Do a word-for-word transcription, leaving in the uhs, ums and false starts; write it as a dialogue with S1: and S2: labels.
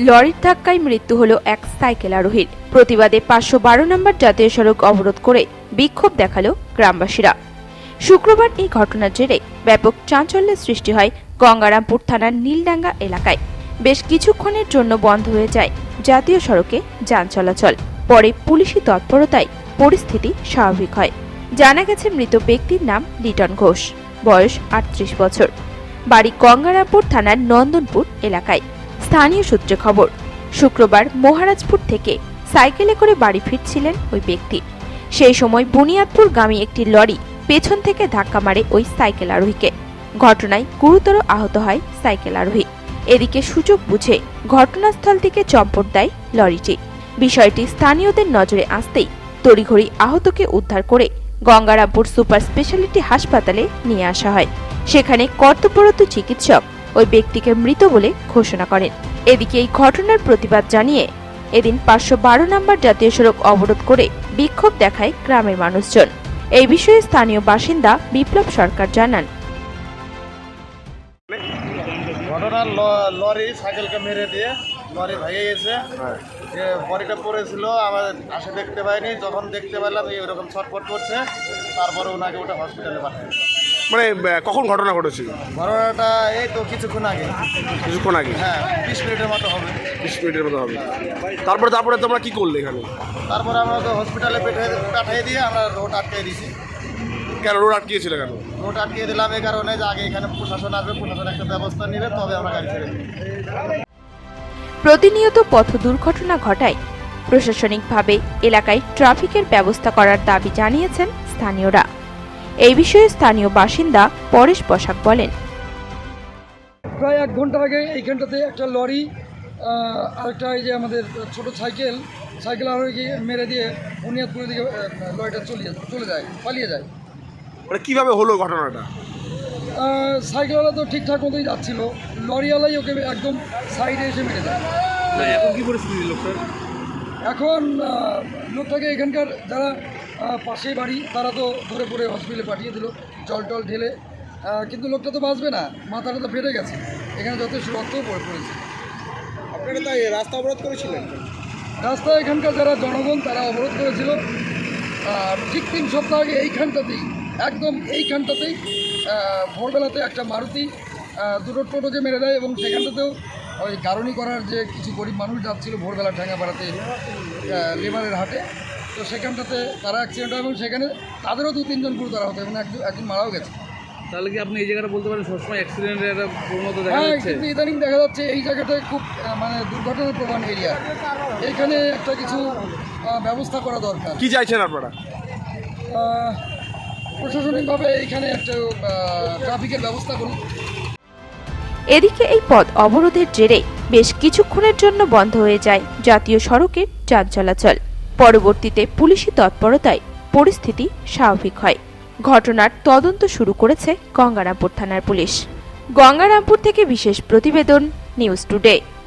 S1: লরির ধাক্কায় মৃত্যু হল এক সাইকেল আরোহীর। প্রতিবাদে পাঁচশো বারো নম্বর জাতীয় সড়ক অবরোধ করে বিক্ষোভ দেখালো গ্রামবাসীরা। শুক্রবার এই ঘটনার জেরে ব্যাপক চাঞ্চল্যের সৃষ্টি হয় গঙ্গারামপুর থানার নীলডাঙ্গা এলাকায়। বেশ কিছুক্ষণের জন্য বন্ধ হয়ে যায় জাতীয় সড়কে যান চলাচল। পরে পুলিশি তৎপরতায় পরিস্থিতি স্বাভাবিক হয়। জানা গেছে মৃত ব্যক্তির নাম লিটন ঘোষ, বয়স আটত্রিশ বছর, বাড়ি গঙ্গারামপুর থানার নন্দনপুর এলাকায়। স্থানীয় সূত্রে খবর, শুক্রবার মহারাজপুর থেকে সাইকেলে করে বাড়ি ফিরছিলেন ওই ব্যক্তি। সেই সময় বুনিয়াদপুর গামী একটি লরি পেছন থেকে ধাক্কা মারে ওই সাইকেল আরোহীকে। ঘটনায় গুরুতর আহত হয় সাইকেল আরোহী। এদিকে সুযোগ বুঝে ঘটনাস্থল থেকে চম্পট দেয় লরিটি। বিষয়টি স্থানীয়দের নজরে আসতেই তড়িঘড়ি আহতকে উদ্ধার করে গঙ্গারামপুর সুপার স্পেশালিটি হাসপাতালে নিয়ে আসা হয়। সেখানে কর্তব্যরত চিকিৎসক ওই ব্যক্তিকে মৃত বলে ঘোষণা করেন। এদিকে এই ঘটনার প্রতিবাদ জানিয়ে এদিন পাঁচশো বারো নম্বর জাতীয় সড়ক অবরোধ করে বিক্ষোভ দেখায় গ্রামের মানুষজন। এই বিষয়ে স্থানীয় বাসিন্দা বিপ্লব সরকার জানান,
S2: ঘটনার লরি সাইকেলকে মেরে দিয়ে লরি ভেঙে গেছে। যে বডিটা পড়েছিল আমার আসে দেখতে পাইনি, যখন দেখতে পেলাম এরকম ছটফট করছে, তারপরে ওনাকে ওটা হসপিটালে পাঠায়।
S3: মানে কখন ঘটনা ঘটেছিল?
S2: ঘটনাটা এই তো কিছুক্ষণ আগে
S3: কিছুক্ষণ আগে
S2: হ্যাঁ বিশ মিনিটের মতো হবে।
S3: বিশ মিনিটের মতো হবে। তারপরে তারপরে তোমরা কি করলে এখানে?
S2: তারপরে আমরা তো হসপিটালে পাঠিয়ে দিয়ে আমরা রোড আটকে দিয়েছি।
S3: কেন রোড আটকিয়েছিল? কেন
S2: রোড আটকিয়ে দিলাম এই কারণে যে আগে এখানে প্রশাসন আসবে, প্রশাসন একটা ব্যবস্থা নেবে, তবে আমরা গাড়ি ছেড়ে দেব।
S1: প্রতিনিয়ত পথ দুর্ঘটনা ঘটায় প্রশাসনিকভাবে এলাকায় ট্রাফিকের ব্যবস্থা করার দাবি জানিয়েছেন স্থানীয়রা। এই বিষয়ে স্থানীয় বাসিন্দা পরেশ বসাক বলেন,
S4: প্রায় এক ঘন্টা আগে এইখানটাতে একটা লরি আরেকটা এই যে আমাদের ছোট সাইকেল সাইকেল আরোহীকে মেরে দিয়ে বুনিয়াদপুরের দিকে লরিটা চলে চলে যায় পালিয়ে যায়।
S3: মানে কীভাবে হলো ঘটনাটা?
S4: সাইকেলওয়ালা তো ঠিকঠাক মতোই যাচ্ছিল, লরিওয়ালাই ওকে একদম সাইডে এসে মেরে দেয়।
S3: এখন কী পরিস্থিতি লোকটার?
S4: এখন লোকটাকে এখানকার যারা পাশে বাড়ি তারা তো ধরে পড়ে হসপিটালে পাঠিয়ে দিল জল টল ঢেলে, কিন্তু লোকটা তো বাঁচবে না, মাথাটা তো ফেটে গেছে, এখানে যথেষ্ট রক্তও পড়ে পড়েছে।
S2: আপনারা তাই রাস্তা অবরোধ করেছিলেন?
S4: রাস্তা এখানকার যারা জনগণ তারা অবরোধ করেছিল। আর ঠিক তিন সপ্তাহ আগে এইখানটাতেই একদম এইখানটাতেই ভোরবেলাতে একটা মারুতি দুটো টোটোকে মেরে দেয়, এবং সেখানটাতেও ওই গারণী করার যে কিছু গরিব মানুষ যাচ্ছিল ভোরবেলা ঠ্যাঙ্গাপাড়াতে লেবারের হাটে, তো সেখানটাতে তারা অ্যাক্সিডেন্ট হয় এবং সেখানে তাদেরও দু তিনজন গুরুতর হতো এবং একজন একজন মারাও গেছে।
S5: তাহলে কি আপনি এই জায়গাটা বলতে পারেন সবসময় অ্যাক্সিডেন্টের একটা প্রবণতা দেখা
S4: হ্যাঁ,
S5: যাচ্ছে?
S4: কিন্তু ইদানিং দেখা যাচ্ছে এই জায়গাটায় খুব মানে দুর্ঘটনার প্রবণ এরিয়া, এখানে একটা কিছু ব্যবস্থা করা দরকার।
S3: কি চাইছেন আপনারা?
S4: প্রশাসনিকভাবে এখানে একটা ট্রাফিকের ব্যবস্থা করুন।
S1: এদিকে এই পথ অবরোধের জেরে বেশ কিছুক্ষণের জন্য বন্ধ হয়ে যায় জাতীয় সড়কের যান চলাচল। পরবর্তীতে পুলিশি তৎপরতায় পরিস্থিতি স্বাভাবিক হয়। ঘটনার তদন্ত শুরু করেছে গঙ্গারামপুর থানার পুলিশ। গঙ্গারামপুর থেকে বিশেষ প্রতিবেদন, নিউজ টুডে।